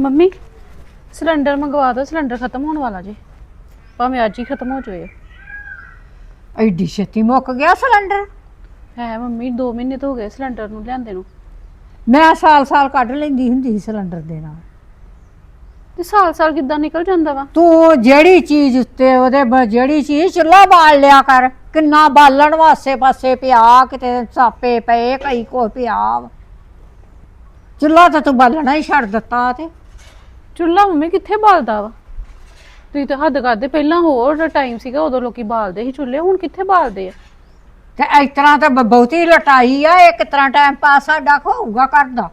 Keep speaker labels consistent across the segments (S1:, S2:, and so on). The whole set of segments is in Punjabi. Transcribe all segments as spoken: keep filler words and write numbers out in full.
S1: ਮੰਮੀ ਸਿਲੰਡਰ ਮੰਗਵਾ ਦਿਓ, ਸਿਲੰਡਰ ਖਤਮ ਹੋਣ ਵਾਲਾ ਜੀ, ਭਾਵੇਂ ਅੱਜ ਹੀ ਖਤਮ ਹੋ ਜਾਵੇ।
S2: ਐਡੀ ਛੇਤੀ ਮੁੱਕ ਗਿਆ ਸਿਲੰਡਰ?
S1: ਹੈ ਮੰਮੀ ਦੋ ਮਹੀਨੇ ਤੋਂ ਹੋ ਗਏ ਸਿਲੰਡਰ ਨੂੰ ਲਿਆਂਦੇ ਨੂੰ।
S2: ਮੈਂ ਸਾਲ ਸਾਲ ਕੱਢ ਲੈਂਦੀ ਹੁੰਦੀ ਸੀ ਸਿਲੰਡਰ ਦੇ ਨਾਲ।
S1: ਤੇ ਸਾਲ ਸਾਲ ਕਿੱਦਾਂ ਨਿਕਲ ਜਾਂਦਾ ਵਾ?
S2: ਤੂੰ ਜਿਹੜੀ ਚੀਜ਼ ਉੱਤੇ ਉਹਦੇ ਬ- ਜਿਹੜੀ ਚੀਜ਼ ਚੁੱਲ੍ਹਾ ਬਾਲ ਲਿਆ ਕਰ। ਕਿੰਨਾ ਬਾਲਣ ਵਾਸੇ ਪਾਸੇ ਪਿਆ, ਕਿਤੇ ਸਾਪੇ ਪਏ, ਕਈ ਕੋ ਪਿਆ ਵਾ। ਚੁੱਲ੍ਹਾ ਤਾਂ ਤੂੰ ਬਾਲਣਾ ਹੀ ਛੱਡ ਦਿੱਤਾ। ਤੇ
S1: ਚੁੱਲ੍ਹਾ ਮੰਮੀ ਕਿੱਥੇ ਬਾਲਦਾ ਵਾ? ਤੁਸੀਂ ਤਾਂ ਹੱਦ ਕਰਦੇ, ਪਹਿਲਾਂ ਹੋਰ ਟਾਈਮ ਸੀਗਾ ਉਦੋਂ ਲੋਕੀ ਬਾਲਦੇ ਸੀ ਚੁੱਲ੍ਹੇ, ਹੁਣ ਕਿੱਥੇ ਬਾਲਦੇ ਆ?
S2: ਤੇ ਇਸ ਤਰ੍ਹਾਂ ਤਾਂ ਬ- ਬਹੁਤੀ ਲਟਾਈ ਆ। ਇਹ ਕਿਸ ਤਰ੍ਹਾਂ ਟਾਈਮ ਪਾਸ ਸਾਡਾ ਹੋਊਗਾ ਕਰਦਾ?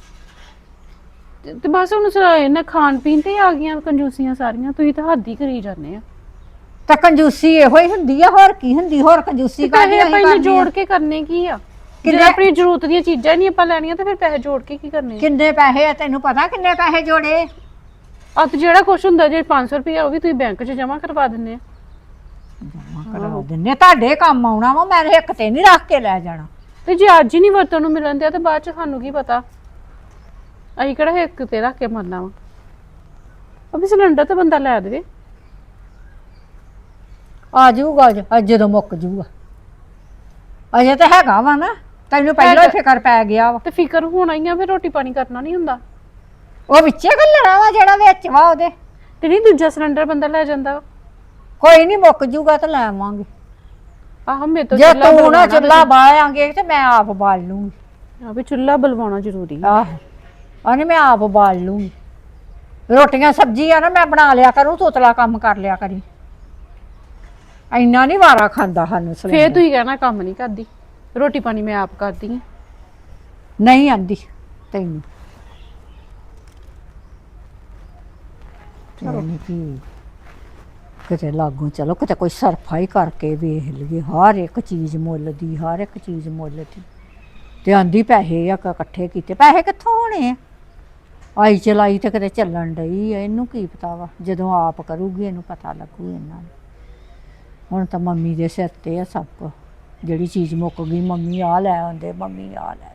S1: ਤੇ ਤੇ ਬਸ ਹੁਣ ਸ- ਇਹਨਾਂ ਖਾਣ ਪੀਣ ਤੇ ਹੀ ਆ ਗਈਆਂ ਕੰਜੂਸੀਆਂ ਸਾਰੀਆਂ। ਤੁਸੀਂ ਤਾਂ ਹੱਦ ਹੀ ਕਰੀ ਜਾਂਦੇ ਆ।
S2: ਤਾਂ ਕੰਜੂਸੀ ਇਹੋ ਹੀ ਹੁੰਦੀ ਆ, ਹੋਰ ਕੀ ਹੁੰਦੀ? ਹੋਰ ਕੰਜੂਸੀ
S1: ਪੈਸੇ
S2: ਕਾਹਦੀ
S1: ਆਪਾਂ
S2: ਅਸੀਂ
S1: ਇਹਨੂੰ
S2: ਕਰਨੀ
S1: ਜੋੜ
S2: ਆ?
S1: ਕੇ ਕਰਨੇ ਕੀ ਆ?
S2: ਕਿੰਨੇ-
S1: ਜੇ ਆਪਣੀ ਜ਼ਰੂਰਤ ਦੀਆਂ ਚੀਜ਼ਾਂ ਹੀ ਨਹੀਂ ਆਪਾਂ ਲੈਣੀਆਂ ਤੇ ਫਿਰ ਪੈਸੇ ਜੋੜ ਕੇ ਕੀ ਕਰਨੇ ਆ?
S2: ਕਿੰਨੇ ਪੈਸੇ ਆ ਤੈਨੂੰ ਪਤਾ? ਕਿੰਨੇ ਪੈਸੇ ਜੋੜੇ?
S1: ਆ ਤੇ ਜਿਹੜਾ ਕੁਛ ਹੁੰਦਾ ਜੇ ਪੰਜ ਸੌ ਰੁਪਇਆ ਉਹ ਵੀ ਤੁਸੀਂ ਬੈਂਕ 'ਚ ਜਮ੍ਹਾਂ ਕਰਵਾ ਦਿੰਦੇ ਆ।
S2: ਜਮਾ ਕਰਾ ਦਿੰਨੇ, ਤੁਹਾਡੇ ਕੰਮ ਆਉਣਾ ਵਾ। ਮੈਂ ਇੱਕ ਤੇ ਨਹੀਂ ਰੱਖ ਕੇ ਲੈ ਜਾਣਾ।
S1: ਤੇ ਜੇ ਅੱਜ ਹੀ ਨਹੀਂ ਵਰਤੋਂ ਨੂੰ ਮਿਲਣ ਦਿਆ ਤੇ ਬਾਅਦ 'ਚ ਸਾਨੂੰ ਕੀ ਪਤਾ? ਅਸੀਂ ਕਿਹੜਾ ਇੱਕ ਤੇ ਰੱਖ ਕੇ ਮਰਨਾ ਵਾ? ਅਭੀ ਸਿਲੰਡਰ ਤਾਂ ਬੰਦਾ ਲੈ ਦੇਵੇ।
S2: ਆ ਜਾਊਗਾ ਅੱਜ ਅੱਜ ਜਦੋਂ ਮੁੱਕ ਜਾਊਗਾ। ਅਜੇ ਤਾਂ ਹੈਗਾ ਵਾ ਨਾ, ਤੈਨੂੰ ਪਹਿਲਾਂ ਹੀ
S1: ਹੈਗਾ।
S2: ਫਿਕਰ ਪੈ ਗਿਆ ਵਾ।
S1: ਤੇ ਫਿਕਰ ਹੋਣਾ ਹੀ ਆ, ਫਿਰ ਰੋਟੀ ਪਾਣੀ ਕਰਨਾ ਨਹੀਂ ਹੁੰਦਾ।
S2: ਉਹ ਵਿੱਚੇ ਘੱਲਣਾ ਵਾ ਜਿਹੜਾ ਵਿੱਚ ਵਾ ਉਹਦੇ।
S1: ਤੇ ਨਹੀਂ ਦੂਜਾ ਸਿਲੰਡਰ ਬੰਦਾ ਲੈ ਜਾਂਦਾ ਵਾ।
S2: ਕੋਈ ਨਹੀਂ, ਮੁੱਕ ਜਾਊਗਾ ਤਾਂ ਲੈ ਆਵਾਂਗੇ।
S1: ਆਹ ਮੇਰੇ ਤੋਂ
S2: ਜੇ
S1: ਚੁੱਲ੍ਹਾ
S2: ਤੂੰ ਨਾ
S1: ਬਲਵਾਉਣਾ
S2: ਚੁੱਲ੍ਹਾ ਬਾਲਾਂਗੇ ਤੇ ਮੈਂ ਆਪ ਬਾਲ ਲੂੰਗੀ।
S1: ਆ ਵੀ ਚੁੱਲ੍ਹਾ ਬਲਵਾਉਣਾ ਜ਼ਰੂਰੀ ਆ।
S2: ਆਹੋ, ਉਹਨੇ ਮੈਂ ਆਪ ਬਾਲ ਲੂੰਗੀ। ਰੋਟੀਆਂ ਸਬਜ਼ੀਆਂ ਨਾ ਮੈਂ ਬਣਾ ਲਿਆ ਕਰੂੰ, ਤੋਤਲਾ ਕੰਮ ਕਰ ਲਿਆ ਕਰੀ। ਇੰਨਾ ਨਹੀਂ ਵਾਰਾ ਖਾਂਦਾ ਸਾਨੂੰ
S1: ਫੇਰ
S2: ਸਿਲੰਡਰ।
S1: ਤੁਸੀਂ ਕਹਿਣਾ ਕੰਮ ਨਹੀਂ ਕਰਦੀ, ਰੋਟੀ ਪਾਣੀ ਮੈਂ ਆਪ ਕਰਦੀ ਆ।
S2: ਨਹੀਂ ਆਂਦੀ ਤੈਨੂੰ। ਚਲੋ ਕੀ ਕਿਤੇ ਲਾਗੋਂ ਚਲੋ, ਕਿਤੇ ਕੋਈ ਸਰਫਾ ਹੀ ਕਰਕੇ ਵੇਖ ਲਈਏ। ਹਰ ਇੱਕ ਚੀਜ਼ ਮੁੱਲ ਦੀ, ਹਰ ਇੱਕ ਚੀਜ਼ ਮੁੱਲ ਦੀ। ਤੇ ਆਂਦੀ ਪੈਸੇ ਆ ਕ- ਇਕੱਠੇ ਕੀਤੇ। ਪੈਸੇ ਕਿੱਥੋਂ ਹੋਣੇ ਆ? ਆਈ ਚਲਾਈ ਤੇ ਕਿਤੇ ਚੱਲਣ ਡਈ ਆ। ਇਹਨੂੰ ਕੀ ਪਤਾ ਵਾ? ਜਦੋਂ ਆਪ ਕਰੂਗੀ ਇਹਨੂੰ ਪਤਾ ਲੱਗੂ ਇਹਨਾਂ ਨੂੰ। ਹੁਣ ਤਾਂ ਮੰਮੀ ਦੇ ਸਿਰ ਤੇ ਆ ਸਭ ਕੁਝ। ਜਿਹੜੀ ਚੀਜ਼ ਮੁੱਕ ਗਈ, ਮੰਮੀ ਆ ਲੈ ਆਉਂਦੇ, ਮੰਮੀ ਆ ਲੈ ਆਉਂਦੇ।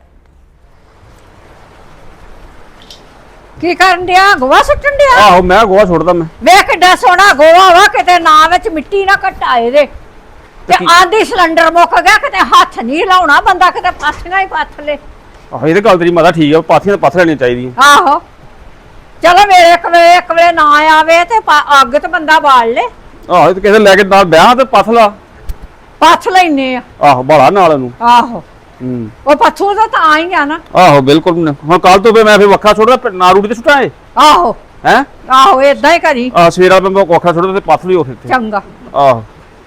S2: ਕੀ ਕਰਨ ਡਿਆ? ਗੋਹਾ ਸੁੱਟਣ ਡਿਆ?
S3: ਆਹੋ ਮੈਂ ਗੋਹਾ ਸੁੱਟਦਾ ਮੈਂ।
S2: ਵੇਖ ਕਿੱਡਾ ਸੋਹਣਾ ਗੋਹਾ ਵਾ, ਕਿਤੇ ਨਾ ਵਿੱਚ ਮਿੱਟੀ ਨਾ ਘਟਾਏ ਦੇ। ਤੇ ਆਂਦੀ ਸਿਲੰਡਰ ਮੁੱਕ ਗਿਆ, ਕਿਤੇ ਹੱਥ ਨਹੀਂ ਲਾਉਣਾ ਬੰਦਾ, ਕਿਤੇ ਪਾਥੀਆਂ ਹੀ ਪੱਥ ਲੇ।
S3: ਆਹੋ ਇਹਦੇ ਗੱਲ ਤੇਰੀ ਮਾਤਾ ਠੀਕ ਆ, ਪਾਥੀਆਂ ਤਾਂ ਪੱਥ ਲੈਣੀਆਂ ਚਾਹੀਦੀਆਂ।
S2: ਆਹੋ ਚਲੋ, ਮੇਰੇ ਇੱਕ ਵੇਲੇ ਇੱਕ ਵੇਲੇ ਨਾ ਆਵੇ ਤੇ ਪਾ- ਅੱਗ ਤੇ ਬੰਦਾ ਬਾਲ ਲੇ।
S3: ਆਹੋ ਤੇ ਕਿਸੇ ਲੈ ਕੇ ਨਾਲ ਵਿਆਹ ਤੇ ਪੱਥ ਲਾ।
S2: ਪੱਥ ਲੈਨੇ ਆ।
S3: ਆਹੋ ਬਾਲਾ ਨਾਲ ਉਹਨੂੰ।
S2: ਆਹੋ
S3: ਹੂੰ
S2: ਉਹ ਪੱਥੂ ਤਾਂ ਤਾਂ ਹੀ ਆ ਨਾ।
S3: ਆਹੋ ਬਿਲਕੁਲ। ਹੁਣ ਕੱਲ ਤੋਂ ਫੇ ਮੈਂ ਫੇ ਵੱਖਰਾ ਸੁੱਟਦਾ, ਨਾ ਰੂੜੀ ਤੇ ਸੁੱਟਾਂ।
S2: ਆਹੋ
S3: ਹੈ
S2: ਆਹੋ ਏਦਾਂ ਹੀ ਕਰੀ।
S3: ਆ ਸਵੇਰਾ ਮੈਂ ਵੱਖਰਾ ਸੁੱਟਦਾ ਤੇ ਪੱਥ ਲਈ ਉੱਥੇ।
S2: ਚੰਗਾ।
S3: ਆਹੋ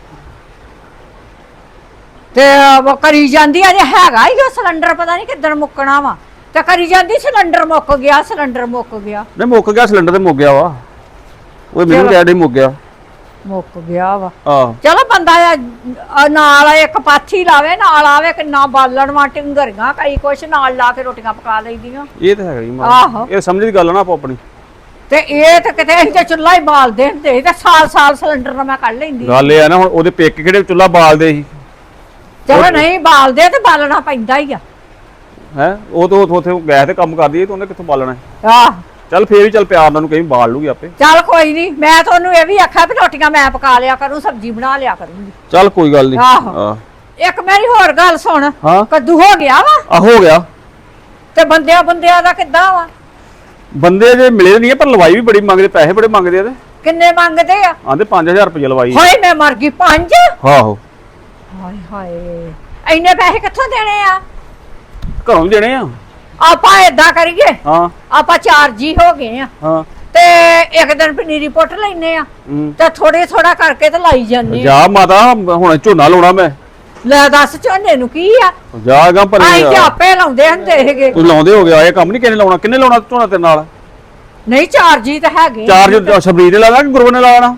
S2: ਤੇ ਉਹ ਕਰੀ ਜਾਂਦੀ ਅਜੇ ਹੈਗਾ ਹੀ ਉਹ ਸਿਲੰਡਰ, ਪਤਾ ਨਹੀਂ ਕਿੱਦਣ ਮੁੱਕਣਾ ਵਾ। ਤੇ ਕਰੀ ਜਾਂਦੀ ਸਿਲੰਡਰ ਮੁੱਕ ਗਿਆ, ਸਿਲੰਡਰ ਮੁੱਕ ਗਿਆ।
S3: ਨਹੀਂ ਮੁੱਕ ਗਿਆ ਸਿਲੰਡਰ ਤੇ ਮੁੱਕ ਗਿਆ ਵਾ। ਉਹ ਮੈਨੂੰ ਕਹਿ ਡੇ ਮੁੱਕ ਗਿਆ।
S2: ਮੁੱਕ ਗਿਆ ਵਾ।
S3: ਆਹੋ
S2: ਚਲੋ ਬੰਦਾ ਆ- ਨਾਲ ਇੱਕ ਪਾਥੀ ਲਾਵੇ, ਨਾਲ ਆਵੇ ਕਿੰਨਾ ਬਾਲਣ ਵਾ, ਟਿੰਗਰੀਆਂ ਕਈ ਕੁਛ ਨਾਲ ਲਾ ਕੇ ਰੋਟੀਆਂ ਪਕਾ ਲਈਦੀਆਂ।
S3: ਇਹ ਤਾਂ ਹੈਗਾ ਹੀ
S2: ਆਹੋ।
S3: ਮਾਂ, ਇਹ ਸਮਝ ਦੀ ਗੱਲ ਆ ਨਾ ਆਪੋ ਆਪਣੀ।
S2: ਤੇ ਇਹ ਤੇ ਕਿਤੇ ਅਸੀਂ ਤੇ ਚੁੱਲ੍ਹਾ ਹੀ ਬਾਲਦੇ ਹੁੰਦੇ ਸੀ ਤੇ ਸਾਲ ਸਾਲ ਸਿਲੰਡਰ ਨਾਲ ਮੈਂ ਕੱਢ ਲੈਂਦੀ।
S3: ਗੱਲ ਇਹ ਆ ਨਾ, ਹੁਣ ਉਹਦੇ ਪੇਕੇ ਕਿਹੜੇ ਚੁੱਲ੍ਹਾ ਬਾਲਦੇ ਸੀ।
S2: ਚਲੋ ਨਹੀਂ ਬਾਲਦੇ ਤੇ ਬਾਲਣਾ ਪੈਂਦਾ ਹੀ ਆ।
S3: ਹੈ ਉਹ ਤਾਂ ਉੱਥੇ ਗੈਸ ਤੇ ਕੰਮ ਕਰਦੀ ਹੈ ਤੇ ਉਹਨੇ ਕਿੱਥੋਂ ਬਾਲਣਾ?
S2: ਆਹ
S3: ਚੱਲ ਫੇਰ ਵੀ ਚੱਲ ਪਿਆਰ ਨਾਲ ਨੂੰ ਕਹੀਂ ਬਾਲ ਲੂਗੀ ਆਪੇ।
S2: ਚੱਲ ਕੋਈ ਨਹੀਂ, ਮੈਂ ਤੁਹਾਨੂੰ ਇਹ ਵੀ ਆਖਿਆ ਵੀ ਰੋਟੀਆਂ ਮੈਂ ਪਕਾ ਲਿਆ ਕਰੂੰ, ਸਬਜ਼ੀ ਬਣਾ ਲਿਆ ਕਰੂੰਗੀ।
S3: ਚੱਲ ਕੋਈ ਗੱਲ ਨਹੀਂ।
S2: ਆਹੋ। ਇੱਕ ਮੇਰੀ ਹੋਰ ਗੱਲ ਸੁਣ।
S3: ਹਾਂ
S2: ਕੱਦੂ ਹੋ ਗਿਆ ਵਾ?
S3: ਆ ਹੋ ਗਿਆ।
S2: ਤੇ ਬੰਦਿਆਂ ਬੰਦਿਆਂ ਦਾ ਕਿੱਦਾਂ ਵਾ?
S3: ਬੰਦੇ ਜੇ ਮਿਲੇ ਨਹੀਂ ਪਰ ਲਵਾਈ ਵੀ ਬੜੀ ਮੰਗਦੇ, ਪੈਸੇ ਬੜੇ ਮੰਗਦੇ ਆ। ਤੇ
S2: ਕਿੰਨੇ ਮੰਗਦੇ ਆ?
S3: ਆਂਦੇ ਪੰਜ ਹਜ਼ਾਰ ਰੁਪਏ ਲਵਾਈ।
S2: ਹਾਏ ਮੈਂ ਮਰ ਗਈ। ਪੰਜ?
S3: ਆਹੋ
S2: ਹਾਏ ਹਾਏ, ਇੰਨੇ ਪੈਸੇ ਕਿੱਥੋਂ ਦੇਣੇ ਆ?
S3: ਘਰੋਂ ਵੀ ਦੇਣੇ ਆ।
S2: ਆਪਾਂ ਏਦਾਂ ਕਰੀਏ,
S3: ਹਾਂ
S2: ਆਪਾਂ ਚਾਰ ਜੀ ਹੋ ਗਏ ਆ
S3: ਹਾਂ
S2: ਤੇ ਇੱਕ ਦਿਨ ਪਨੀਰੀ ਪੁੱਟ ਲੈਨੇ ਆ
S3: ਹੂੰ।
S2: ਤੇ ਥੋੜੇ ਥੋੜਾ ਕਰਕੇ ਤੇ ਲਾਈ ਜਾਂਦੇ ਆ।
S3: ਜਾ ਮਾਤਾ, ਹੁਣ ਝੋਨਾ ਲਾਉਣਾ ਮੈਂ।
S2: ਲੈ ਦੱਸ, ਝੋਨੇ ਨੂੰ ਕੀ ਆ?
S3: ਜਾ ਗਾ ਪਰ
S2: ਆਈ ਤੇ ਆਪੇ ਲਾਉਂਦੇ ਹੁੰਦੇ ਹੈਗੇ।
S3: ਤੂੰ ਲਾਉਂਦੇ ਹੋ ਗਿਆ, ਇਹ ਕੰਮ ਨਹੀਂ ਕਿਹਨੇ ਲਾਉਣਾ? ਕਿੰਨੇ ਲਾਉਣਾ ਝੋਨਾ ਤੇਰੇ ਨਾਲ?
S2: ਨਹੀਂ ਚਾਰ ਜੀ ਤਾਂ ਹੈਗੇ।
S3: ਚਾਰ ਜੋ ਸ਼ਬਰੀਰ ਨੇ ਲਾਣਾ ਕਿ ਗੁਰੂ ਨੇ ਲਾਣਾ?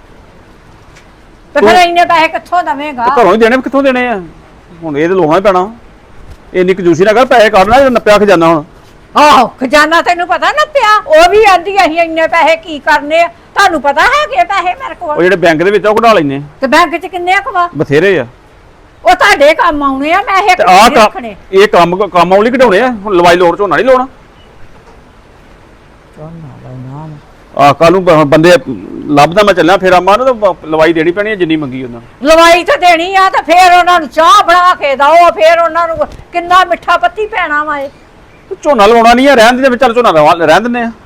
S2: ਤੇ ਫਿਰ ਇੰਨੇ ਪੈਸੇ ਕਿੱਥੋਂ ਦਵੇਂਗਾ?
S3: ਘਰੋਂ ਹੀ ਦੇਣੇ, ਕਿੱਥੋਂ ਦੇਣੇ ਆ? ਹੁਣ ਇਹ ਤੇ ਲਾਉਣਾ ਹੀ ਪੈਣਾ। ਇੰਨੀ ਕੰਜੂਸੀ ਨਾ ਕਰ, ਪੈਸੇ ਕੱਢਣਾ ਜੇ ਨੱਪਿਆ ਖਜ਼ਾਨਾ। ਹੁਣ
S2: ਆਹੋ ਖਜ਼ਾਨਾ ਤੈਨੂੰ ਪਤਾ ਨਾ ਪਿਆ। ਉਹ ਵੀ ਆਂਦੀ ਅਸੀਂ ਇੰਨੇ ਪੈਸੇ ਕੀ ਕਰਨੇ ਆ? ਤੁਹਾਨੂੰ ਪਤਾ ਹੈਗੇ ਪੈਸੇ ਮੇਰੇ
S3: ਉਹ
S2: ਕੋਲ?
S3: ਜਿਹੜੇ ਬੈਂਕ ਦੇ ਵਿੱਚ ਆ ਉਹ ਕਢਾ ਲੈਨੇ
S2: ਤੇ ਬੈਂਕ 'ਚ ਕਿੰਨੇ ਕਵਾ?
S3: ਬਥੇਰੇ ਆ।
S2: ਉਹ ਤੁਹਾਡੇ ਕੰਮ ਆਉਣੇ ਆ। ਮੈਂ ਇਹ
S3: ਤੇ ਆਹ ਕੰਮ,
S2: ਰੱਖਣੇ।
S3: ਇਹ ਕੰਮ ਕੰਮ ਆਉਲੀ ਕਢਾਉਣੇ ਆ। ਹੁਣ ਲਵਾਈ ਲੋੜ ਝੋਨਾ ਨਹੀਂ ਲਾਉਣਾ।
S2: ਝੋਨਾ
S3: ਆ ਕੱਲ ਨੂੰ ਬ- ਬੰਦੇ ਲੱਭਦਾ ਮੈਂ ਚੱਲਿਆ ਫਿਰ ਆਮਾ ਨੂੰ ਤਾਂ ਲਵਾਈ ਦੇਣੀ ਪੈਣੀ ਹੈ ਜਿੰਨੀ ਮੰਗੀ ਉਹਨਾਂ ਨੇ।
S2: ਲਵਾਈ ਤਾਂ ਦੇਣੀ ਆ ਤੇ ਫੇਰ ਉਹਨਾਂ ਨੂੰ ਚਾਹ ਬਣਾ ਕੇ ਦਓ, ਫੇਰ ਉਹਨਾਂ ਨੂੰ ਕਿੰਨਾ ਮਿੱਠਾ ਪੱਤੀ ਪੈਣਾ ਵਾ ਇਹ।
S3: ਝੋਨਾ ਲਵਾਉਣਾ ਨਹੀਂ ਆ, ਰਹਿਣ ਦੇ ਵਿੱਚ ਚੱਲ ਝੋਨਾ ਲਵਾ- ਰਹਿਣ ਦਿੰਦੇ ਆ।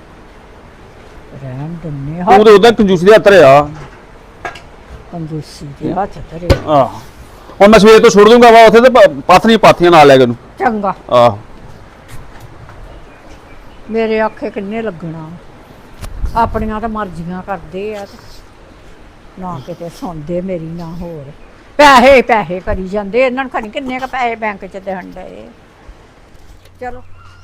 S2: ਰਹਿਣ ਦਿੰਨੇ
S3: ਤੂੰ ਤੇ ਉਦਾਂ ਕੰਜੂਸੀ ਦੇ ਹੱਥ ਰਿਆ।
S2: ਕੰਜੂਸੀ ਦੇ ਹੱਥ ਧਰੇ।
S3: ਆਹ ਹੁਣ ਮੈਂ ਸਵੇਰ ਤੋਂ ਛੋੜ ਦੂੰਗਾ ਵਾ ਉੱਥੇ ਤੇ ਪ- ਪਾਥਰੀ ਪਾਥੀਆਂ ਨਾਲ ਲੈ ਕੇ ਉਹਨੂੰ।
S2: ਚੰਗਾ,
S3: ਆਹ
S2: ਮੇਰੇ ਆਖੇ ਕਿੰਨੇ ਲੱਗਣਾ, ਆਪਣੀਆਂ ਤਾਂ ਮਰਜ਼ੀਆਂ ਕਰਦੇ ਆ ਤੇ ਨਾ ਕਿਤੇ ਸੁਣਦੇ ਮੇਰੀ ਨਾ ਹੋਰ। ਪੈਸੇ ਪੈਸੇ ਕਰੀ ਜਾਂਦੇ, ਇਹਨਾਂ ਨੂੰ ਖਣੀ ਕਿੰਨੇ ਕ ਪੈਸੇ ਬੈਂਕ 'ਚ ਦੇਣ ਡਏ। ਚਲੋ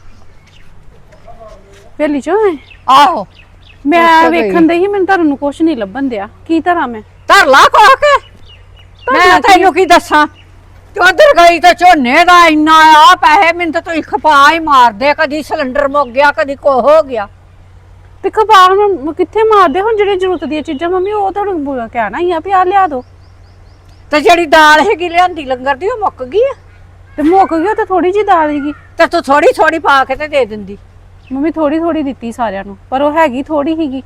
S1: ਵੇਲੀ ਚੋਂ ਹੈ।
S2: ਆਹੋ
S1: ਮੈਂ
S2: ਉੱਥੇ ਗਈ।
S1: ਵੇਖਣ ਦਈ ਸੀ, ਮੈਨੂੰ ਧਰਨ ਨੂੰ ਕੁਛ ਨਹੀਂ ਲੱਭਣ ਦਿਆ। ਕੀ ਧਰਾਂ ਮੈਂ?
S2: ਧਰ ਲਾ ਕੋ ਕੇ, ਮੈਂ ਤੈਨੂੰ ਕੀ ਦੱਸਾਂ। ਤੇ ਉਧਰ ਗਈ ਤਾਂ ਝੋਨੇ ਦਾ ਇੰਨਾ ਆ ਪੈਸੇ, ਮੈਨੂੰ ਤਾਂ ਤੂੰ ਖਪਾ ਹੀ ਮਾਰਦੇ, ਕਦੀ ਸਿਲੰਡਰ ਮੁੱਕ ਗਿਆ, ਕਦੀ ਕੋ ਹੋ ਗਿਆ।
S1: ਤੇ ਖਪਾ ਹੁਣ ਕਿੱਥੇ ਮਾਰਦੇ? ਹੁਣ ਜਿਹੜੇ ਜ਼ਰੂਰਤ ਦੀਆਂ ਚੀਜ਼ਾਂ ਮੰਮੀ ਉਹ ਤੁਹਾਨੂੰ ਬੁਰਾ ਕਹਿਣਾ ਹੀ ਆ ਵੀ ਆ ਲਿਆ ਦੋ।
S2: ਤੇ ਜਿਹੜੀ ਦਾਲ ਹੈਗੀ ਲਿਆਂਦੀ ਲੰਗਰ ਦੀ ਉਹ ਮੁੱਕ ਗਈ ਆ,
S1: ਤੇ ਮੁੱਕ ਗਿਆ ਤਾਂ ਥੋੜੀ ਜੀ ਦਾਲ ਸੀਗੀ।
S2: ਤੇ ਤੂੰ ਥੋੜੀ ਥੋੜੀ ਪਾ ਕੇ ਤੇ ਦੇ ਦਿੰਦੀ।
S1: ਮੰਮੀ ਥੋੜੀ ਥੋੜੀ ਦਿੱਤੀ ਸਾਰਿਆਂ ਨੂੰ, ਪਰ ਉਹ ਹੈਗੀ ਥੋੜੀ ਹੀਗੀ।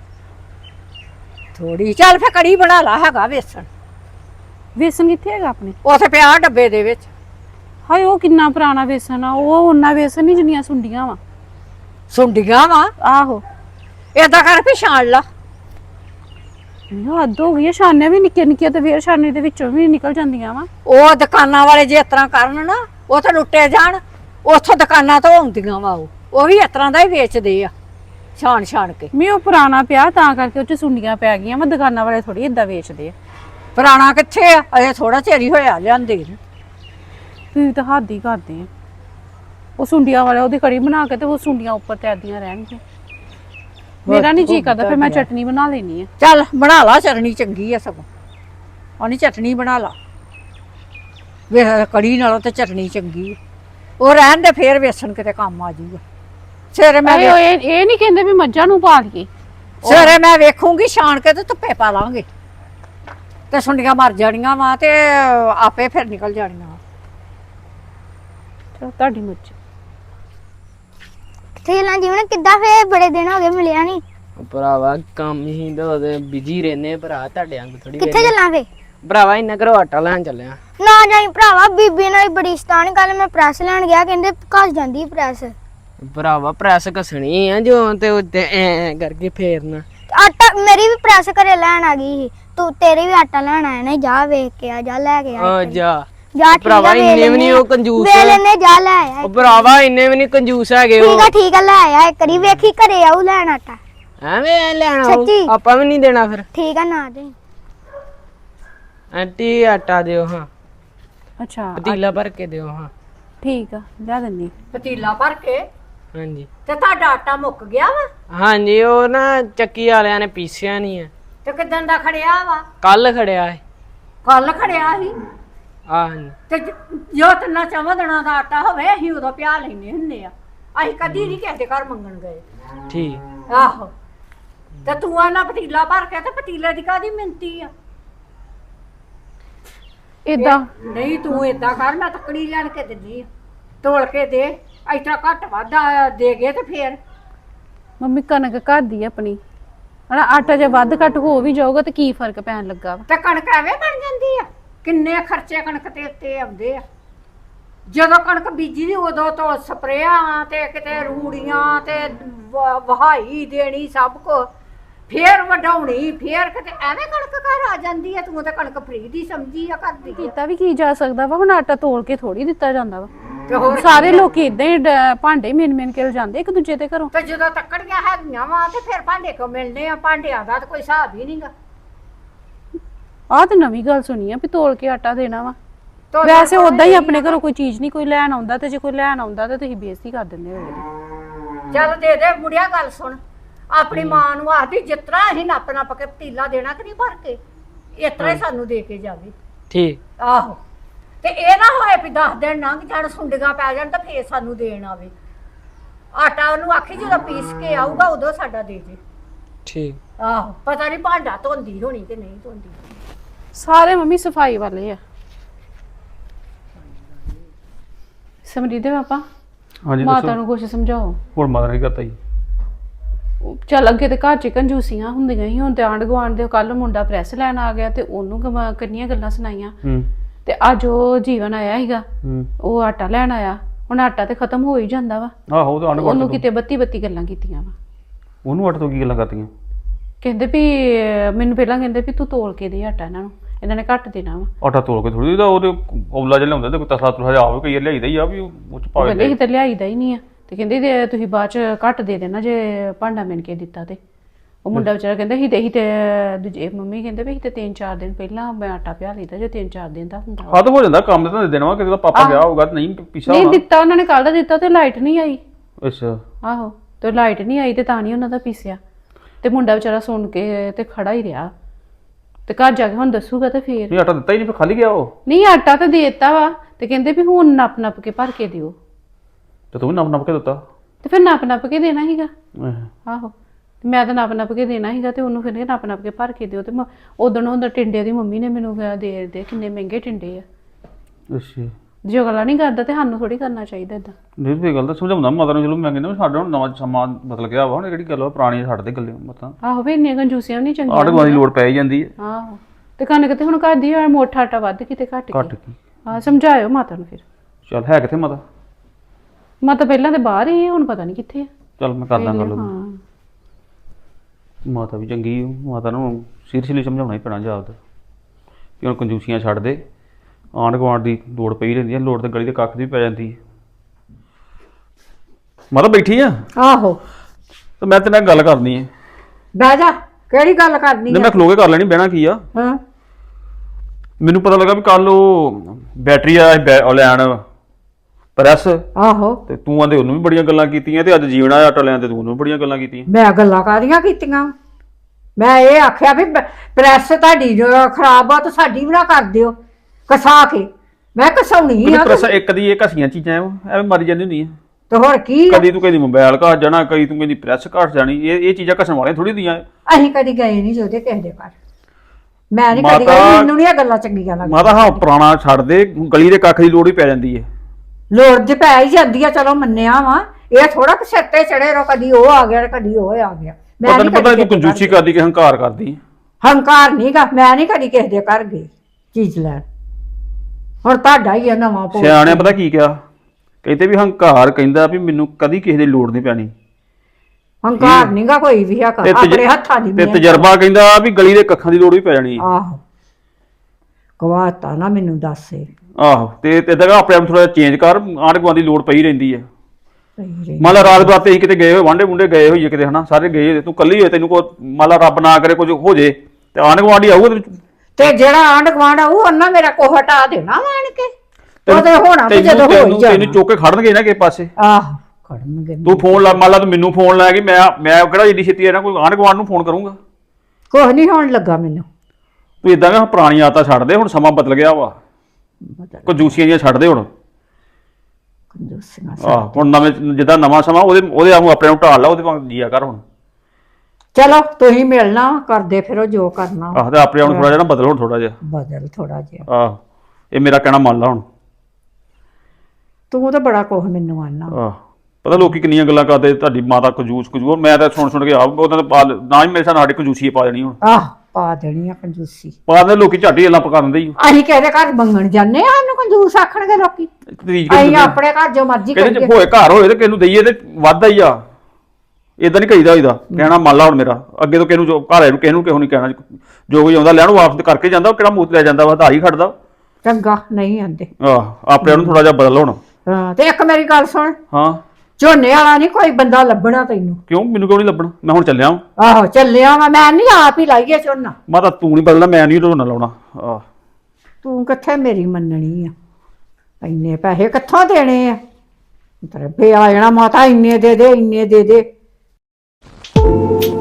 S2: ਥੋੜੀ ਚੱਲ ਫੇ ਕੜੀ ਬਣਾ ਲਾ, ਹੈਗਾ ਵੇਸਣ
S1: ਵੇਸਣ ਕਿੱਥੇ ਹੈਗਾ ਆਪਣੇ?
S2: ਉਥੇ ਪਿਆ ਡੱਬੇ ਦੇ ਵਿੱਚ।
S1: ਹਾਏ ਉਹ ਕਿੰਨਾ ਪੁਰਾਣਾ ਵੇਸਣ ਆ, ਉਹ ਉਹਨਾਂ ਵੇਸਣ ਨਹੀਂ ਜਿੰਨੀਆਂ ਸੁੰਡੀਆਂ ਵਾ।
S2: ਸੁੰਡੀਆਂ ਵਾ,
S1: ਆਹੋ
S2: ਏਦਾਂ ਕਰ ਵੀ ਛਾਣ ਲਾ।
S1: ਮੈਨੂੰ ਹੱਦ ਹੋ ਗਈ ਆ, ਛਾਨਿਆਂ ਵੀ ਨਿੱਕੀਆਂ ਨਿੱਕੀਆਂ ਤੇ ਫੇਰ ਛਾਨੇ ਦੇ ਵਿੱਚੋਂ ਵੀ ਨਿਕਲ ਜਾਂਦੀਆਂ ਵਾ।
S2: ਉਹ ਦੁਕਾਨਾਂ ਵਾਲੇ ਜੇ ਇਸ ਤਰ੍ਹਾਂ ਕਰਨ ਨਾ, ਉਹ ਤਾਂ ਲੁੱਟੇ ਜਾਣ। ਉੱਥੋਂ ਦੁਕਾਨਾਂ ਤੋਂ ਆਉਂਦੀਆਂ ਵਾ, ਉਹ ਉਹ ਵੀ ਇਸ ਤਰ੍ਹਾਂ ਦਾ ਹੀ ਵੇਚਦੇ ਆ, ਛਾਣ ਛਾਣ ਕੇ।
S1: ਮੈਂ ਉਹ ਪੁਰਾਣਾ ਪਿਆ ਤਾਂ ਕਰਕੇ ਉਹ ਚ ਸੁੰਡੀਆਂ ਪੈ ਗਈਆਂ ਵਾ। ਦੁਕਾਨਾਂ ਵਾਲੇ ਥੋੜੀ ਏਦਾਂ ਵੇਚਦੇ ਆ।
S2: ਪੁਰਾਣਾ ਕਿੱਥੇ ਆ, ਅਜੇ ਥੋੜਾ ਚਿਰ ਹੀ ਹੋਇਆ ਲਿਆਂਦੇ ਨੂੰ।
S1: ਤੁਸੀਂ ਤਾਂ ਹੱਦ ਹੀ ਕਰਦੇ ਆ। ਉਹ ਸੁੰਡੀਆਂ ਵਾਲੇ ਉਹਦੀ ਕੜੀ ਬਣਾ ਕੇ ਤੇ ਉਹ ਸੁੰਡੀਆਂ ਉੱਪਰ ਤੇ ਐਦੀਆਂ ਰਹਿਣਗੇ। ਮੇਰਾ ਨਹੀਂ ਜੀ ਕਰਦਾ, ਫਿਰ ਮੈਂ ਚਟਨੀ ਬਣਾ ਲੈਣੀ ਆ।
S2: ਚੱਲ ਬਣਾ ਲਾ, ਚਟਨੀ ਚੰਗੀ ਆ ਸਗੋਂ। ਉਹਨੀ ਚਟਨੀ ਬਣਾ ਲਾ, ਵੇ ਕੜੀ ਨਾਲੋਂ ਤੇ ਚਟਨੀ ਚੰਗੀ ਆ। ਉਹ ਰਹਿਣ ਦੇ, ਫੇਰ ਵੇਸਣ ਕਿਤੇ ਕੰਮ ਆ ਜਾਊਗਾ। ਸਵੇਰੇ ਮੈਂ
S1: ਇਹ ਇਹ ਇਹ ਨਹੀਂ ਕਹਿੰਦੇ ਵੀ ਮੱਝਾਂ ਨੂੰ ਪਾਲ ਕੇ।
S2: ਸਵੇਰੇ ਮੈਂ ਵੇਖੂੰਗੀ, ਛਾਣ ਕੇ ਤੇ ਧੁੱਪੇ ਪਾ ਲਾਂਗੇ ਤੇ ਸੁੰਡੀਆਂ ਮਰ ਜਾਣੀਆਂ ਵਾ ਤੇ ਆਪੇ ਫਿਰ ਨਿਕਲ ਜਾਣੀਆਂ ਵਾ।
S1: ਚਲੋ ਤੁਹਾਡੀ ਮਰਜ਼ੀ।
S4: ਥੇਲਾਂ ਜੀਵਨ ਕਿੱਦਾਂ ਫੇਰ ਬੜੇ ਦਿਨ ਹੋ ਗਏ ਮਿਲਿਆ ਨਹੀਂ।
S5: ਭਰਾਵਾ ਕੰਮ ਹੀ ਤਾਂ ਬਿਜੀ ਰਹਿੰਦੇ ਭਰਾ, ਤੁਹਾਡੇ ਵਾਂਗ ਥੋੜੀ।
S4: ਕਿੱਥੇ ਚੱਲਾਂ ਫੇ?
S5: ਭਰਾਵਾ ਇੰਨਾ ਘਰੋਂ ਆਟਾ ਲੈਣ ਚੱਲਿਆ।
S4: ਨਾ ਜਾਈ ਭਰਾਵਾ, ਬੀਬੀ ਨਾਲ ਬੜੀ ਸਤਾਨ। ਕੱਲ ਮੈਂ ਪ੍ਰੈਸ ਲੈਣ ਗਿਆ, ਕਹਿੰਦੇ ਘਸ ਜਾਂਦੀ ਪ੍ਰੈਸ।
S5: ਭਰਾਵਾ ਪ੍ਰੈਸ ਘਸਣੀ ਆ ਜੋ ਤੇ ਉੱਤੇ ਐ ਕਰਕੇ ਫੇਰਨਾ।
S4: ਆਟਾ ਮੇਰੀ ਵੀ ਪ੍ਰੈਸ ਘਰੇ ਲੈਣ ਆ ਗਈ ਸੀ। ਤੂੰ ਤੇਰੇ ਵੀ ਆਟਾ ਲੈਣ ਆਇਆ ਨਾ, ਜਾ ਵੇਖ ਕੇ ਆ, ਜਾ ਲੈ ਕੇ ਆ।
S5: ਆ ਜਾ
S4: ਜਾ ਠੀਕ
S5: ਭਰਾਵਾ,
S4: ਆ, ਵੇਖ
S5: ਇੰਨੇ ਵੀ ਨਹੀਂ ਉਹ
S4: ਲੈਨੇ
S5: ਕੰਜੂਸ।
S4: ਵੇਖ ਲੈਨੇ, ਜਾ ਲੈ ਆਇਆ।
S5: ਉਹ ਭਰਾਵਾ ਇੰਨੇ ਵੀ ਨਹੀਂ ਕੰਜੂਸ ਹੈਗੇ
S4: ਠੀਕ
S5: ਉਹ।
S4: ਆ ਠੀਕ ਆ, ਲੈ ਆਇਆ ਇੱਕ ਵਾਰੀ, ਵੇਖੀ ਘਰੇ ਆਉ ਲੈਣ ਆਟਾ।
S5: ਐਵੇਂ ਲੈਣਾ
S4: ਸੱਚੀ?
S5: ਆਪਾਂ ਵੀ ਨਹੀਂ ਦੇਣਾ ਫਿਰ।
S4: ਠੀਕ ਆ, ਨਾ ਦੇ।
S5: ਆਂਟੀ ਆਟਾ ਦਿਓ ਹਾਂ,
S1: ਅੱਛਾ
S5: ਪਤੀਲਾ ਭਰ ਕੇ ਦਿਓ ਹਾਂ।
S1: ਠੀਕ ਆ, ਲਿਆ ਦਿੰਦੀ।
S2: ਪਤੀਲਾ ਭਰ ਕੇ।
S5: ਹਾਂਜੀ
S2: ਤੇ ਤੁਹਾਡਾ ਆਟਾ ਮੁੱਕ ਗਿਆ ਵਾ
S5: ਹਾਂਜੀ, ਉਹ ਨਾ ਚੱਕੀ ਵਾਲਿਆਂ ਨੇ ਪੀਸਿਆ ਨਹੀਂ ਆ।
S2: ਤੇ ਕਿਦਾਂ ਦਾ ਖੜਿਆ ਵਾ?
S5: ਕੱਲ ਖੜਿਆ ਹੈ।
S2: ਕੱਲ ਖੜਿਆ ਸੀ
S5: ਆ ਹਾਂਜੀ
S2: ਤੇ ਜ- ਜੋ ਤਿੰਨਾਂ ਚੌਵਾਂ ਦਿਨਾਂ ਦਾ ਆਟਾ ਹੋਵੇ ਅਸੀਂ ਉਦੋਂ ਪਿਆ ਲੈਨੇ ਹੁੰਦੇ ਆ। ਅਸੀਂ ਕਦੀ ਨਹੀਂ ਕਿਸੇ ਦੇ ਘਰ ਮੰਗਣ ਗਏ।
S5: ਠੀਕ।
S2: ਆਹੋ, ਤੇ ਤੂੰ ਆਨਾ ਪਤੀਲਾ ਭਰ ਕੇ, ਤੇ ਪਤੀਲੇ ਦੀ ਕਾਦੀ ਮਿੰਤੀ ਆ?
S1: ਏਦਾਂ
S2: ਨਹੀਂ ਤੂੰ ਏਦਾਂ ਕਰ, ਮੈਂ ਤੱਕੜੀ ਲੈਣ ਕੇ ਦਿੰਦੀ ਆ, ਤੋਲ ਕੇ ਦੇ। ਇਤਨਾ ਘੱਟ ਵਾਧਾ ਦੇ ਗਏ ਤੇ ਫੇਰ
S1: ਮੰਮੀ ਕਣਕ ਘਰ ਦੀ ਆ ਆਪਣੀ, ਹਨਾ। ਆਟਾ ਜੇ ਵੱਧ ਘੱਟ ਹੋ ਵੀ ਜਾਊਗਾ ਤੇ ਕੀ ਫਰਕ ਪੈਣ ਲੱਗਾ ਵਾ?
S2: ਤੇ ਕਣਕ ਐਵੇਂ ਬਣ ਜਾਂਦੀ ਆ। ਕਿੰਨੇ ਖਰਚੇ ਕਣਕ ਤੇ ਉੱਤੇ ਆਉਂਦੇ ਆ। ਜਦੋਂ ਕਣਕ ਬੀਜੀ ਦੀ ਉਦੋਂ ਤੋਂ ਸਪਰੇਆਂ ਤੇ ਕਿਤੇ ਰੂੜੀਆਂ ਤੇ ਵ- ਵਹਾਈ ਦੇਣੀ ਸਭ ਕੋ, ਫੇਰ ਵਢਾਉਣੀ, ਫੇਰ ਕਿਤੇ ਐਵੇਂ ਕਣਕ ਘਰ ਆ ਜਾਂਦੀ ਆ। ਤੂੰ ਤਾਂ ਕਣਕ ਫਰੀ ਦੀ ਸਮਝੀ ਆ ਕਰਦੀ ਆ।
S1: ਕੀਤਾ ਵੀ ਕੀ ਜਾ ਸਕਦਾ ਵਾ? ਹੁਣ ਆਟਾ ਤੋਲ ਕੇ ਥੋੜੀ ਦਿੱਤਾ ਜਾਂਦਾ ਵਾ।
S2: ਤੇ ਹੋਰ
S1: ਸਾਰੇ ਲੋਕ ਇਦਾਂ ਹੀ ਡ- ਭਾਂਡੇ ਮਿਣ ਮਿਣ ਕੇ ਜਾਂਦੇ ਇੱਕ ਦੂਜੇ ਦੇ ਘਰੋਂ।
S2: ਤੇ ਜਦੋਂ ਤੱਕੜੀਆਂ ਹੈਗੀਆਂ ਵਾ ਤੇ ਫਿਰ ਭਾਂਡੇ ਕੋ ਮਿਲਨੇ ਆ? ਭਾਂਡਿਆਂ ਦਾ ਤਾਂ ਕੋਈ ਹਿਸਾਬ ਹੀ ਨਹੀਂਗਾ।
S1: ਆਹ ਤੇ ਨਵੀਂ ਗੱਲ ਸੁਣੀ ਆ ਵੀ ਤੋਲ ਕੇ ਆਟਾ ਦੇਣਾ ਵਾ।
S2: ਤੋਲ
S1: ਵੈਸੇ
S2: ਕੇ
S1: ਉਦਾਂ ਹੀ
S2: ਨਹੀਂ
S1: ਆਪਣੇ ਘਰੋਂ ਕੋਈ ਚੀਜ਼ ਨਹੀਂ ਕੋਈ ਲੈਣ ਆਉਂਦਾ, ਤੇ ਜੇ ਕੋਈ ਲੈਣ ਆਉਂਦਾ ਤੇ ਤੁਸੀਂ ਬੇਇੱਜ਼ਤੀ ਕਰ ਦਿੰਦੇ ਹੋ ਇਹਦੀ।
S2: ਚੱਲ ਦੇ ਦੇ ਮੁੜਿਆ, ਗੱਲ ਸੁਣ। ਆਪਣੀ ਮਾਂ ਨੂੰ ਆਖਦੀ ਜਿਸ ਤਰ੍ਹਾਂ ਅਸੀਂ ਨੱਪ ਨੱਪ ਕੇ ਪਤੀਲਾ ਦੇਣਾ ਕਿ ਨਹੀਂ ਭਰ ਕੇ, ਇਸ ਤਰ੍ਹਾਂ ਹੀ ਸਾਨੂੰ ਦੇ ਕੇ ਜਾਵੇ।
S5: ਠੀਕ।
S2: ਆਹੋ, ਤੇ ਇਹ ਨਾ ਹੋਏ ਵੀ ਦਸ ਦਿਨ ਲੰਘ ਜਾਣ, ਸੁੰਡੀਆਂ ਪੈ ਜਾਣ ਤਾਂ ਫੇਰ ਸਾਨੂੰ ਦੇਣ ਆਵੇ ਆਟਾ। ਉਹਨੂੰ ਆਖੀ ਜਦੋਂ ਪੀਸ ਕੇ ਆਊਗਾ ਉਦੋਂ ਸਾਡਾ ਦੇ ਜੇ।
S5: ਠੀਕ।
S2: ਆਹੋ, ਪਤਾ ਨਹੀਂ ਭਾਂਡਾ ਧੋਂਦੀ ਹੋਣੀ ਕਿ ਨਹੀਂ ਧੋਂਦੀ।
S1: ਸਾਰੇ ਮੰਮੀ ਸਫਾਈ ਵਾਲੇ ਆ। ਸਮਰੀਤ ਦੇ ਪਾਪਾ
S3: ਹਾਂਜੀ
S1: ਮਾਤਾ
S3: ਦੱਸੋ।
S1: ਨੂੰ ਕੁਝ ਸਮਝਾਓ।
S3: ਹੁਣ ਮਾਤਾ ਨੇ ਕਰਤਾ ਜੀ।
S1: ਚੱਲ ਅੱਗੇ ਤੇ ਘਰ ਚ ਕੰਜੂਸੀਆਂ ਹੁੰਦੀਆਂ ਸੀ, ਹੁਣ ਤੇ ਆਂਢ ਗੁਆਂਢ ਦੇ ਕੱਲ ਮੁੰਡਾ ਪ੍ਰੈਸ ਲੈਣ ਆ ਗਿਆ ਤੇ ਉਹਨੂੰ ਗਵਾ- ਕਿੰਨੀਆਂ ਗੱਲਾਂ ਸੁਣਾਈਆਂ।
S3: ਹੂੰ
S1: ਤੇ ਅੱਜ ਉਹ ਜੀਵਨ ਆਇਆ ਸੀਗਾ,
S3: ਹੂੰ
S1: ਉਹ ਆਟਾ ਲੈਣ ਆਇਆ। ਹੁਣ ਆਟਾ ਤੇ ਖਤਮ ਹੋ ਹੀ ਜਾਂਦਾ ਵਾ,
S3: ਆਹੋ ਉਹ ਤਾਂ ਆਂਢ ਗੁਆਂਢ
S1: ਉਹਨੂੰ
S3: ਤੋਂ
S1: ਕਿਤੇ ਬੱਤੀ ਬੱਤੀ ਗੱਲਾਂ ਕੀਤੀਆਂ ਵਾ।
S3: ਉਹਨੂੰ ਅੱਟ ਤੋਂ ਕੀ ਗੱਲਾਂ ਕਰਤੀਆਂ?
S1: ਕਹਿੰਦੇ ਵੀ ਮੈਨੂੰ ਪਹਿਲਾਂ ਕਹਿੰਦੇ ਵੀ ਤੂੰ ਤੋਲ ਕੇ ਦੇ ਆਟਾ ਇਹਨਾਂ ਨੂੰ, ਇਹਨਾਂ ਨੇ ਘੱਟ ਦੇਣਾ ਵਾ।
S3: ਆਟਾ ਤੋਲ ਕੇ ਥੋੜੀ ਦਾ ਉਹਦੇ ਔਲਾ ਜਿਹਾ ਲਿਆਉਂਦਾ ਤੇ ਕੋਈ ਤਸਾ ਤੁਸਾ ਆਵੇ ਕਈ ਵਾਰ ਲਿਆਈਦਾ ਹੀ ਆ ਵੀ ਉਹ ਚ ਪਾ
S1: ਕਹਿੰਦੇ
S3: ਕੇ
S1: ਕਿਤੇ ਲਿਆਈਦਾ ਹੀ ਨਹੀਂ ਆ, ਤੇ ਕਹਿੰਦੇ ਜੇ ਤੁਸੀਂ ਬਾਅਦ ਚ ਘੱਟ ਦੇ ਦੇਣਾ ਜੇ ਭਾਂਡਾ ਮਿਣ ਕੇ ਦਿੱਤਾ ਤੇ। ਉਹ ਮੁੰਡਾ ਵਿਚਾਰਾ ਕਹਿੰਦਾ ਹੀ ਤੇ ਹੀ ਤੇ ਦੂਜੇ ਮੰਮੀ ਕਹਿੰਦੇ ਵੀ ਤੇ ਤਿੰਨ ਚਾਰ ਦਿਨ ਪਹਿਲਾਂ ਮੈਂ ਆਟਾ ਪਿਆ ਲਈਦਾ ਜੇ ਤਿੰਨ ਚਾਰ ਦਿਨ ਦਾ ਹੁੰਦਾ ਵਾ।
S3: ਹੱਦ ਹੋ ਜਾਂਦਾ ਕੰਮ ਦੇ ਤਾਂ ਦੇਣਾ ਵਾ ਕਿਤੇ ਦਾ ਪਾਪਾ ਗਿਆ ਹੋਊਗਾ ਤੇ ਨਹੀਂ ਪਿੱਛਾ
S1: ਨਹੀਂ
S3: ਹੋਣਾ।
S1: ਦਿੱਤਾ ਉਹਨਾਂ ਨੇ ਕੱਲ ਦਾ ਦਿੱਤਾ ਤੇ ਲਾਈਟ ਨਹੀਂ ਆਈ।
S3: ਅੱਛਾ
S1: ਆਹੋ ਤੇ ਲਾਈਟ ਨਹੀਂ ਆਈ ਤੇ ਤਾਂ ਨਹੀਂ ਉਹਨਾਂ ਦਾ ਪੀਸਿਆ। ਤੇ ਮੁੰਡਾ ਵਿਚਾਰਾ ਸੁਣ ਕੇ ਤੇ ਖੜਾ ਹੀ ਰਿਹਾ, ਤੇ ਘਰ ਜਾ ਕੇ ਹੁਣ ਦੱਸੂਗਾ ਤੇ ਫੇਰ।
S3: ਨਹੀਂ ਆਟਾ ਦਿੱਤਾ ਹੀ ਨਹੀਂ ਫਿਰ ਖਾਲੀ ਗਿਆ ਉਹ।
S1: ਨਹੀਂ ਆਟਾ ਤਾਂ ਦੇ ਦਿੱਤਾ ਵਾ, ਤੇ ਕਹਿੰਦੇ ਵੀ ਹੁਣ ਨੱਪ ਨੱਪ ਕੇ ਭਰ ਕੇ ਦਿਓ।
S3: ਤੇ ਤੂੰ ਵੀ ਨੱਪ ਨੱਪ ਕੇ ਦਿੱਤਾ?
S1: ਤੇ ਫਿਰ ਨੱਪ ਨੱਪ ਕੇ ਦੇਣਾ ਸੀਗਾ।
S3: ਆਹ,
S1: ਆਹੋ ਤੇ ਮੈਂ ਤਾਂ ਨੱਪ ਨੱਪ ਕੇ ਦੇਣਾ ਸੀਗਾ, ਤੇ ਉਹਨੂੰ ਫਿਰ ਨੱਪ ਨੱਪ ਕੇ ਭਰ ਕੇ ਦਿਓ। ਤੇ ਉਦੋਂ ਹੁੰਦਾ ਟਿੰਡੇ ਦੀ ਮੰਮੀ ਨੇ ਮੈਨੂੰ ਕਿਹਾ ਦੇ ਦੇ, ਕਿੰਨੇ ਮਹਿੰਗੇ ਟਿੰਡੇ ਆ।
S3: ਅੱਛਾ
S1: ਜੋ ਗੱਲਾਂ ਨਹੀਂ ਕਰਦਾ ਤੇ ਸਾਨੂੰ ਥੋੜੀ ਕਰਨਾ ਚਾਹੀਦਾ ਏਦਾਂ।
S3: ਨਹੀਂ ਤੇ ਗੱਲ ਤਾਂ ਸਮਝਾਉਂਦਾ ਮਾਤਾ ਨੂੰ, ਚਲੋ ਮੈਂ ਕਹਿੰਦਾ ਵੀ ਸਾਡੇ ਹੁਣ ਨਵਾਂ ਸਮਾਂ ਬਦਲ ਗਿਆ ਵਾ, ਹੁਣ ਕਿਹੜੀ ਗੱਲ ਵਾ ਪੁਰਾਣੀ ਛੱਡ ਦੇ ਗੱਲਾਂ ਮਤਾਂ।
S1: ਆਹੋ ਵੀ ਇੰਨੀਆਂ ਕੰਜੂਸੀਆਂ ਵੀ ਨਹੀਂ ਚੰਗੀਆਂ।
S3: ਆੜੇ ਦੀ ਲੋੜ ਪੈ ਹੀ ਜਾਂਦੀ ਹੈ।
S1: ਆਹੋ ਤੇ ਕਣਕ ਤੇ ਹੁਣ ਘਰ ਦੀ ਆ, ਮੋਟਾ ਆਟਾ ਵੱਧ ਕਿਤੇ ਘੱਟ
S3: ਘੱਟ
S1: ਗਿਆ।
S3: ਕੀ
S1: ਹਾਂ ਸਮਝਾਇਓ ਮਾਤਾ ਨੂੰ ਫਿਰ।
S3: ਚੱਲ ਹੈ ਕਿੱਥੇ ਮਾਤਾ?
S1: ਮਾਤਾ ਪਹਿਲਾਂ ਤੇ ਬਾਹਰ ਹੀ, ਹੁਣ ਪਤਾ ਨਹੀਂ ਕਿੱਥੇ ਆ।
S3: ਚੱਲ ਮੈਂ ਕਰਦਾ ਗੱਲ ਉਹਨੂੰ।
S1: ਹਾਂ
S3: ਮਾਤਾ ਵੀ ਚੰਗੀ ਆ, ਮਾਤਾ ਨੂੰ ਸੀਰੀਅਸਲੀ ਸਮਝਾਉਣਾ ਹੀ ਪੈਣਾ ਜਾਪਦਾ ਕਿ ਹੁਣ ਕੰਜੂਸੀਆਂ ਛੱਡ ਦੇ। ਆਂਢ ਗੁਆਂਢ ਦੀ ਲੋੜ ਪਈ ਰਹਿੰਦੀ ਹੈ, ਲੋੜ ਤੇ ਗਲੀ ਦੇ ਕੱਖ ਦੀ ਵੀ ਪੈ ਜਾਂਦੀ ਹੈ। ਮਾਤਾ ਬੈਠੀ ਆ
S2: ਆਹੋ
S3: ਤੇ ਮੈਂ ਤੇਰੇ ਨਾਲ ਗੱਲ ਕਰਨੀ ਹੈ।
S2: ਬਹਿ ਜਾ, ਕਿਹੜੀ ਗੱਲ ਕਰਨੀ
S3: ਨਹੀਂ
S2: ਆ?
S3: ਮੈਂ ਖਲੋ ਕੇ ਕਰ ਲੈਣੀ, ਬਹਿਣਾ ਕੀ ਆ।
S2: ਹਾਂ
S3: ਮੈਨੂੰ ਪਤਾ ਲੱਗਾ ਵੀ ਕੱਲ ਉਹ ਬੈਟਰੀ ਆ ਬੈ- ਉਹ ਲੈਣ ਪ੍ਰੈਸ,
S2: ਆਹੋ
S3: ਤੇ ਤੂੰ ਆਂਦੇ ਉਹਨੂੰ ਵੀ ਬੜੀਆਂ ਗੱਲਾਂ ਕੀਤੀਆਂ, ਤੇ ਅੱਜ ਜੀਵਣਾ ਆਟਾ ਲੈਣ ਤੇ ਤੂੰ ਉਹਨੂੰ ਵੀ ਬੜੀਆਂ ਗੱਲਾਂ ਕੀਤੀਆਂ।
S2: ਮੈਂ ਗੱਲਾਂ ਕਾਹਦੀਆਂ ਕੀਤੀਆਂ? ਮੈਂ ਇਹ ਆਖਿਆ ਵੀ ਪ- ਪ੍ਰੈਸ ਤੁਹਾਡੀ ਜੋ ਖਰਾਬ ਆ ਤਾਂ ਸਾਡੀ ਵੀ ਨਾ ਕਰ ਦਿਓ ਕਸਾ ਕੇ। ਮੈਂ ਕਸਾਉਣੀ ਆ
S3: ਪ੍ਰੈਸ ਇੱਕ ਦੀ ਇਹ ਘਸੀਆਂ ਚੀਜ਼ਾਂ ਐਵੇਂ ਐਵੇਂ ਮਰ ਜਾਂਦੀ ਹੁੰਦੀਆਂ।
S2: ਤੇ ਹੋਰ ਕੀ ਆ?
S3: ਕਦੀ ਤੂੰ ਕਹਿੰਦੀ ਮੋਬਾਈਲ ਘੱਟ ਜਾਣਾ, ਕਦੀ ਤੂੰ ਕਹਿੰਦੀ ਪ੍ਰੈਸ ਘੱਟ ਜਾਣੀ। ਇਹ ਇਹ ਚੀਜ਼ਾਂ ਘਸਣ ਵਾਲੀਆਂ ਥੋੜੀ ਦੀਆਂ।
S2: ਅਸੀਂ ਕਦੀ ਗਏ ਨਹੀਂ ਜੋਦੇ ਕਿਸੇ ਦੇ ਘਰ, ਮੈਂ ਨਹੀਂ ਕਦੀ
S3: ਮਾਤਾ-
S2: ਗਈ, ਮੈਨੂੰ ਨਹੀਂ ਇਹ ਗੱਲਾਂ ਚੰਗੀਆਂ ਲੱਗਦੀਆਂ।
S3: ਮਾਤਾ ਹਾਂ ਪੁਰਾਣਾ ਛੱਡ ਦੇ, ਗਲੀ ਦੇ ਕੱਖ ਦੀ ਲੋੜ ਹੀ ਪੈ ਜਾਂਦੀ ਹੈ।
S2: ਲੋੜ ਤੇ ਪੈ ਹੀ ਜਾਂਦੀ ਆ, ਚਲੋ ਮੰਨਿਆ ਵਾ। ਇਹ ਥੋੜਾ ਕਿ ਸਿਰ ਤੇ ਚੜੇ ਰਹੋ, ਕਦੀ ਉਹ ਆ ਗਿਆ ਕਦੀ ਉਹ ਆ ਗਿਆ। ਮੈਂ
S3: ਪਤਾ
S2: ਨੀ
S3: ਨਹੀਂ ਪਤਾ
S2: ਕਦੀ
S3: ਤੂੰ
S2: ਕਿਸੇ ਦੇ
S3: ਕੰਜੂਸੀ
S2: ਘਰ
S3: ਕਰਦੀ ਕਿ ਹੰਕਾਰ ਕਰਦੀ।
S2: ਗਈ। ਹੰਕਾਰ ਨਹੀਂ ਗਾ, ਮੈਂ ਨਹੀਂ ਕਦੀ ਕਿਸੇ ਦੇ ਘਰ ਗਈ ਚੀਜ਼ ਲੈਣ। ਹੁਣ ਤੁਹਾਡਾ ਹੀ ਆ ਨਵਾਂ ਪੋ
S3: ਸਿਆਣਿਆ ਪਤਾ ਕੀ ਕਿਹਾ? ਕਹਿੰਦੇ ਵੀ ਹੰਕਾਰ ਕਹਿੰਦਾ ਵੀ ਮੈਨੂੰ ਕਦੀ ਕਿਸੇ ਦੀ ਲੋੜ ਨਹੀਂ ਪੈਣੀ।
S2: ਹੰਕਾਰ ਨਹੀਂ ਗਾ ਕੋਈ ਵੀ ਹੱਕ
S3: ਤੇ ਤਜ-
S2: ਆਪਣੇ ਹੱਥਾਂ ਦੀ
S3: ਤੇ
S2: ਮਿਹਨਤ।
S3: ਤਜਰਬਾ ਕਹਿੰਦਾ ਵੀ ਗਲੀ ਦੇ ਕੱਖਾਂ ਦੀ ਲੋੜ ਵੀ ਪੈ ਜਾਣੀ।
S2: ਆਹੋ ਗਵਾਤਾ ਨਾ ਮੈਨੂੰ ਦੱਸੇ
S3: ਆਹੋ ਤੇ ਇਦਾਂ ਆਪਣੇ ਆਪ ਥੋੜਾ ਚੇਂਜ ਕਰ, ਆਂਢ ਗੁਆਂਢ ਦੀ ਲੋੜ ਪਈ ਰਹਿੰਦੀ ਹੈ।
S2: ਪਈ ਰਹੀ।
S3: ਮੰਨ ਲਾ ਰਾਤ ਬਰਾਤੇ ਅਸੀਂ ਕਿਤੇ ਗਏ ਹੋਏ, ਵਾਂਢੇ ਵੁੰਡੇ ਗਏ ਹੋਈਏ ਕਿਤੇ, ਹਨਾ ਸਾਰੇ ਗਏ ਹੋਏ, ਤੂੰ ਕੱਲੀ ਹੋਏ, ਤੈਨੂੰ ਕੋ ਮੰਨ ਲਾ ਰੱਬ ਨਾ ਕਰੇ ਕੁਝ ਹੋ ਜੇ ਤੇ ਆਂਢ ਗੁਆਂਢੀ ਆਊਗਾ ਤੇ
S2: ਤੇ ਜਿਹੜਾ ਆਂਢ ਗੁਆਂਢ ਆ ਉਹ ਉਹਨਾਂ ਮੇਰਾ ਕੋਹ ਹਟਾ ਦੇਣਾ ਆਣ ਕੇ। ਉਹ ਤੇ ਹੋਣਾ ਵੀ ਜਦੋਂ ਹੋ ਹੀ
S3: ਤੈਨੂੰ ਤੈਨੂੰ
S2: ਜਾਣਾ।
S3: ਚੁੱਕ ਕੇ ਖੜਨਗੇ ਨਾ ਕਿਸੇ ਪਾਸੇ।
S2: ਆਹੋ ਖੜਨਗੇ।
S3: ਤੂੰ ਫੋਨ ਲਾ, ਮੰਨ ਲਾ ਤੂੰ ਮੈਨੂੰ ਫੋਨ ਲਾ ਕੇ ਮੈਂ ਮੈਂ ਕਿਹੜਾ ਏਡੀ ਛੇਤੀ ਰਹਿਣਾ, ਕੋਈ ਆਂਢ ਗੁਆਂਢ ਨੂੰ ਫੋਨ ਕਰੂੰਗਾ?
S2: ਕੁਛ ਨਹੀਂ ਹੋਣ ਲੱਗਾ ਮੈਨੂੰ।
S3: ਤੂੰ ਇਦਾਂ ਕਿ ਪੁਰਾਣੀ ਆਦਤਾਂ ਛੱਡ ਦੇ, ਹੁਣ ਸਮਾਂ ਬਦਲ ਗਿਆ ਵਾ।
S2: ਬਦਲ
S3: ਕੰਜੂਸੀਆਂ ਜਿਹੀਆਂ ਛੱਡ ਦੇ ਹੁਣ।
S2: ਕੰਜੂਸੀਆਂ।
S3: ਆਹ ਹੁਣ ਨਵੇਂ ਜਿੱਦਾਂ ਨਵਾਂ ਸਮਾਂ ਉਹਦੇ ਉਹਦੇ ਵਾਂਗੂ ਆਪਣੇ ਨੂੰ ਢਾਲ ਲਾ, ਉਹਦੇ ਵਾਂਗ ਜੀਆ ਕਰ ਹੁਣ।
S2: ਚਲੋ ਤੁਸੀਂ ਮਿਲਣਾ ਕਰਦੇ ਫਿਰੋ ਜੋ ਕਰਨਾ।
S3: ਆਹ ਤੇ ਆਪਣੇ ਆਪ ਨੂੰ ਥੋੜਾ ਜਿਹਾ ਨਾ ਬਦਲ ਹੁਣ ਥੋੜਾ ਜਿਹਾ।
S2: ਬਦਲ ਥੋੜਾ ਜਿਹਾ।
S3: ਆਹ ਇਹ ਮੇਰਾ ਕਹਿਣਾ ਮੰਨ ਲਾ ਹੁਣ।
S2: ਤੂੰ ਤਾਂ ਬੜਾ ਕੁਛ ਮੈਨੂੰ ਆਨਾ।
S3: ਆਹ ਪਤਾ ਲੋਕੀ ਕਿੰਨੀਆਂ ਗੱਲਾਂ ਕਰਦੇ, ਤੁਹਾਡੀ ਮਾਤਾ ਕੰਜੂਸ ਕੰਜੂਸ। ਮੈਂ ਤਾਂ ਸੁਣ ਸੁਣ ਕੇ ਆਪ ਉਹਦਾਂ ਪਾ ਨਾ ਹੀ ਮੇਰੇ ਸਾਹ ਸਾਡੀ ਕੰਜੂਸੀ ਪਾ ਦੇਣੀ ਹੁਣ।
S2: ਆਹ ਪਾ ਦੇਣੀ ਆ ਕੰਜੂਸੀ।
S3: ਪਾ ਦੇ ਲੋਕੀ ਝੱਟ ਹੀ ਗੱਲਾਂ ਪਕਾ ਦਿੰਦੇ ਹੀ।
S2: ਅਸੀਂ ਕਿਹਦੇ ਘਰ ਮੰਗਣ ਜਾਂਦੇ ਆ, ਸਾਨੂੰ ਕੰਜੂਸ ਆਖਣਗੇ ਲੋਕੀ।
S3: ਤਰੀਕ
S2: ਅਸੀਂ ਆਪਣੇ ਘਰ ਜੋ ਮਰਜ਼ੀ
S3: ਕਹਿੰਦੇ
S2: ਕਰੀਏ।
S3: ਜੇ ਹੋਏ ਘਰ ਹੋਏ ਤੇ ਕਿਹਨੂੰ ਦਈਏ ਤੇ ਵਾਧਾ ਹੀ ਆ। ਇਦਾਂ ਨਹੀਂ ਕਹੀਦਾ ਹੋਈਦਾ। ਕਹਿਣਾ ਮੰਨ ਲਾ ਹੁਣ ਮੇਰਾ, ਅੱਗੇ ਤੋਂ ਕਿਹਨੂੰ ਜੋ ਘਰ ਆਏ ਨੂੰ ਕਿਹਨੂੰ ਕਿਹਨੂੰ ਨਹੀਂ ਕਹਿਣਾ। ਜੋ ਕੋਈ ਆਉਂਦਾ ਲੈਣ ਵਾਪਸ ਕਰਕੇ ਜਾਂਦਾ, ਉਹ ਕਿਹੜਾ ਮੂਤ ਲੈ ਜਾਂਦਾ ਵਾ, ਧਾਰੀ ਖੜਦਾ।
S2: ਚੰਗਾ ਨਹੀਂ ਆਂਦੇ।
S3: ਆਹ ਆਪਣੇ ਨੂੰ ਥੋੜਾ ਜਿਹਾ ਬਦਲ ਹੁਣ।
S2: ਹਾਂ ਤੇ ਇੱਕ ਮੇਰੀ ਗੱਲ ਸੁਣ,
S3: ਹਾਂ
S2: ਝੋਨੇ ਵਾਲਾ ਨਹੀਂ ਕੋਈ ਬੰਦਾ ਲੱਭਣਾ ਤੈਨੂੰ।
S3: ਕਿਉਂ? ਮੈਨੂੰ ਕਿਉਂ ਨਹੀਂ ਲੱਭਣਾ? ਮੈਂ ਹੁਣ ਚੱਲਿਆ ਵਾਂ।
S2: ਆਹੋ ਚੱਲਿਆ ਵਾ ਮੈਂ, ਨਹੀਂ ਆਪ ਹੀ ਲਾਈਏ ਝੋਨਾ।
S3: ਮੈਂ ਤਾਂ ਤੂੰ ਨਹੀਂ ਬਦਲਣਾ, ਮੈਂ ਨਹੀਂ ਝੋਨਾ ਲਾਉਣਾ। ਆਹ
S2: ਤੂੰ ਕਿੱਥੇ ਮੇਰੀ ਮੰਨਣੀ ਆ? ਇੰਨੇ ਪੈਸੇ ਕਿੱਥੋਂ ਦੇਣੇ ਆ? ਤੇਰੇ ਫੇ ਆ ਜਾਣਾ ਮਾਤਾ, ਇੰਨੇ ਦੇ ਦੇ ਇੰਨੇ ਦੇ ਦੇ।